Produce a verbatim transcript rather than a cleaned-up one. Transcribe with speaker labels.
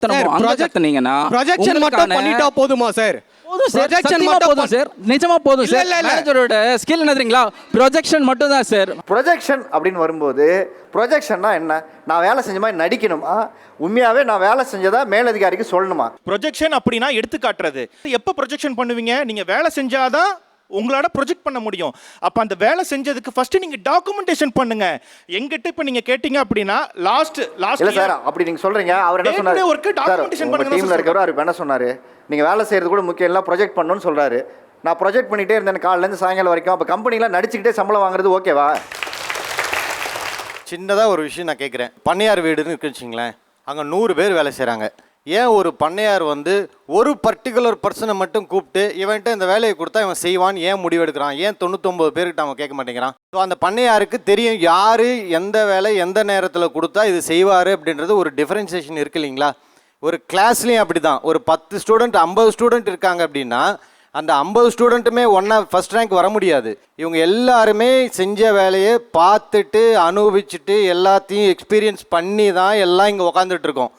Speaker 1: கத்துனீங்கன்னா
Speaker 2: projection மட்டும் பண்ணிட்டா போதுமா சார்?
Speaker 1: போதும் சார், சத்தியமா போதும் சார், நிஜமா போதும் சார். மேனேஜரோட ஸ்கில் என்ன தெரியுங்களா? ப்ரொஜெக்ஷன் மட்டும் தான் சார்.
Speaker 3: ப்ரொஜெக்ஷன் அப்படின்னு வரும்போது ப்ரொஜெக்ஷன்னா என்ன? நான் வேலை செஞ்ச மாதிரி நடிக்கணுமா, உண்மையாவே நான் வேலை செஞ்சதா மேலதிகாரிக்கு சொல்லணுமா?
Speaker 4: ப்ரொஜெக்ஷன் அப்படின்னா எடுத்து காட்டுறது. எப்போ ப்ரொஜெக்ஷன் பண்ணுவீங்க? நீங்க வேலை செஞ்சாதான் உங்களால ப்ரொஜெக்ட் பண்ண முடியும். அப்ப அந்த வேலை செஞ்சதுக்கு ஃபர்ஸ்ட் நீங்க டாக்குமெண்டேஷன் பண்ணுங்க. எங்கிட்ட இப்ப நீங்க கேட்டிங்க அப்படின்னா லாஸ்ட் லாஸ்ட்
Speaker 3: இல்ல சார், அப்படி நீங்க சொல்றீங்க. அவர் என்ன சொன்னாரு?
Speaker 4: ஒர்க் டாக்குமெண்டேஷன் பண்ணுங்க.
Speaker 3: டீம்ல இருக்கவர் அவர் என்ன சொன்னாரு? நீங்க வேலை செய்யறது கூட முக்கியம் இல்ல, ப்ரொஜெக்ட் பண்ணணும்னு சொல்றாரு. நான் ப்ரொஜெக்ட் பண்ணிட்டே இருந்தேன் காலையில இருந்து சாயங்காலம் வரைக்கும். அப்ப கம்பெனில நடிச்சுக்கிட்டே சம்பளம் வாங்குறது ஓகேவா?
Speaker 5: சின்னதாக ஒரு விஷயம் நான் கேட்குறேன். பண்ணையார் வீடுன்னு இருக்குன்னு வச்சுங்களேன், அங்கே நூறு பேர் வேலை செய்கிறாங்க. ஏன் ஒரு பண்ணையார் வந்து ஒரு பர்டிகுலர் பர்சனை மட்டும் கூப்பிட்டு இவன்கிட்ட இந்த வேலையை கொடுத்தா இவன் செய்வான்னு ஏன் முடிவெடுக்கிறான்? ஏன் தொண்ணூத்தொம்பது பேர்கிட்ட அவன் கேட்க மாட்டேங்கிறான்? ஸோ அந்த பண்ணையாருக்கு தெரியும் யார் எந்த வேலை எந்த நேரத்தில் கொடுத்தா இது செய்வார் அப்படின்றது ஒரு டிஃபரன்சியேஷன் இருக்குது இல்லைங்களா? ஒரு கிளாஸ்லேயும் அப்படி தான். ஒரு பத்து ஸ்டூடெண்ட் ஐம்பது ஸ்டூடெண்ட் இருக்காங்க அப்படின்னா அந்த ஐம்பது ஸ்டூடெண்ட்டுமே ஒன்றா ஃபஸ்ட் ரேங்க் வர முடியாது. இவங்க எல்லாருமே செஞ்ச வேலையை பார்த்துட்டு அனுபவிச்சுட்டு எல்லாத்தையும் எக்ஸ்பீரியன்ஸ் பண்ணி தான் எல்லாம் இங்கே உக்காந்துட்டு இருக்கோம்.